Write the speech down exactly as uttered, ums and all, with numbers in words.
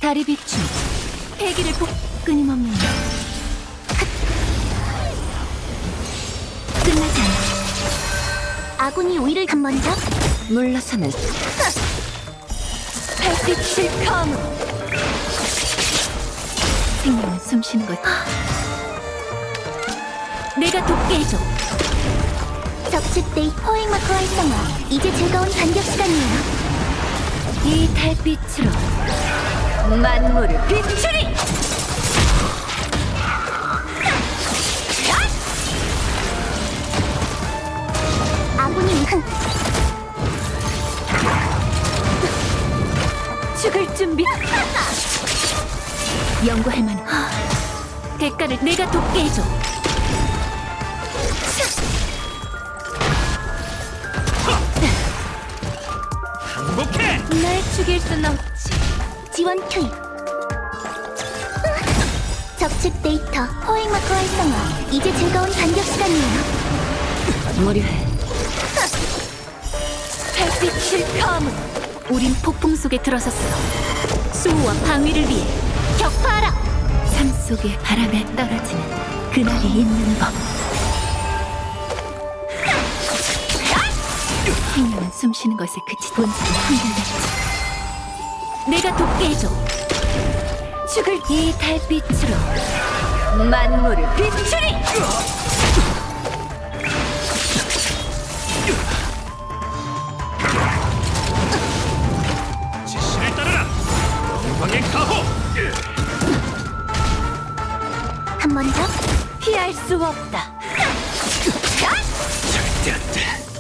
다리 비춤, 패기를 복 끊임없는 끝나지 않아. 아군이 우위를 한 번 더. 물러서는 달빛을 감으로 생명은 숨쉬는 것. 내가 돕게 해줘. 적측 데이 포획 마크 활성화. 이제 즐거운 반격 시간이에요. 이 달빛으로 만물을 비추리. 아군이 흥. 죽을 준비. 연구할 만한 대가를 내가 돕게 해줘. 행복해! 날 죽일 순 없지. 지원 투입. 적측 데이터 포획 마크 활성화. 이제 즐거운 반격 시간이에요. 무료해. 달빛을 감으로 우린 폭풍 속에 들어섰어. 수호와 방위를 위해 격파하라. 삶 속의 바람에 떨어지는 그날이 있는 법. 생명은 숨쉬는 것에 그치 본질은 한결같지. 내가 돕게 해줘. 죽을 이 달빛으로 만물을 비추리. 지시를 따르라! 영광의 가호! 한 번 더. 피할 수 없다. 절대 안 돼!